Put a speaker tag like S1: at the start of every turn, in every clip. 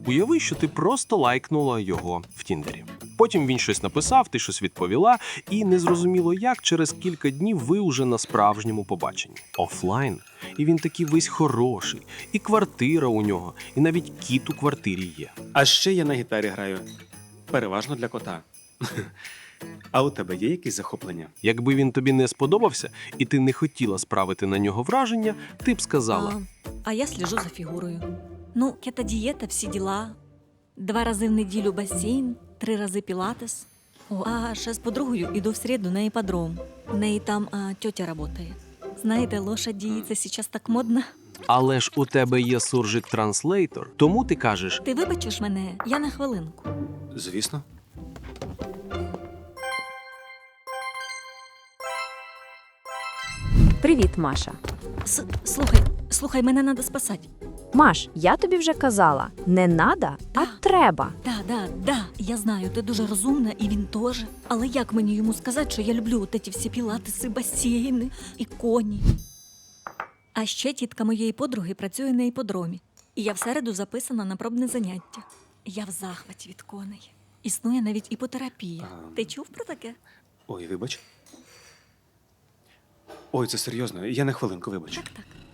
S1: Уяви, що ти просто лайкнула його в Тіндері. Потім він щось написав, ти щось відповіла, і незрозуміло як, через кілька днів ви уже на справжньому побаченні. Офлайн. І він такий весь хороший, і квартира у нього, і навіть кіт у квартирі є.
S2: А ще я на гітарі граю. Переважно для кота. А у тебе є якісь захоплення?
S1: Якби він тобі не сподобався, і ти не хотіла справити на нього враження, ти б сказала:
S3: А я слежу за фігурою. Ну, кето-дієта, всі діла. 2 рази в неділю басейн, 3 рази пілатес. А ще з подругою іду в середу на іпподром. У неї там тьотя працює. Знаєте, лошаді, це зараз так модно.
S1: але ж у тебе є суржик-транслейтор, тому ти кажеш:
S3: Ти вибачиш мене? Я на хвилинку.
S2: Звісно.
S4: Привіт, Маша.
S3: Слухай, мене треба спасати.
S4: Маш, я тобі вже казала, не надо, а треба.
S3: Да, я знаю, ти дуже розумна, і він теж. Але як мені йому сказати, що я люблю от ці всі пілатеси, басейни і коні? А ще тітка моєї подруги працює на іпподромі. І я в середу записана на пробне заняття. Я в захваті від коней. Існує навіть іпотерапія. Ти чув про таке?
S2: Ой, вибач. Ой, це серйозно. Я на хвилинку, вибач.
S3: Так.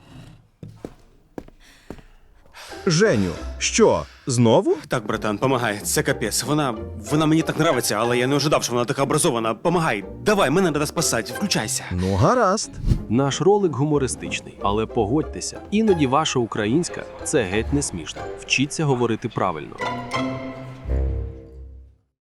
S5: Женю, що, знову?
S2: Так, братан, помагай. Це капець. Вона мені так нравиться, але я не ожидав, що вона така образована. Помагай. Давай, мене треба спасати. Включайся.
S5: Ну, гаразд.
S1: наш ролик гумористичний, але погодьтеся, іноді ваша українська – це геть не смішно. Вчіться говорити правильно.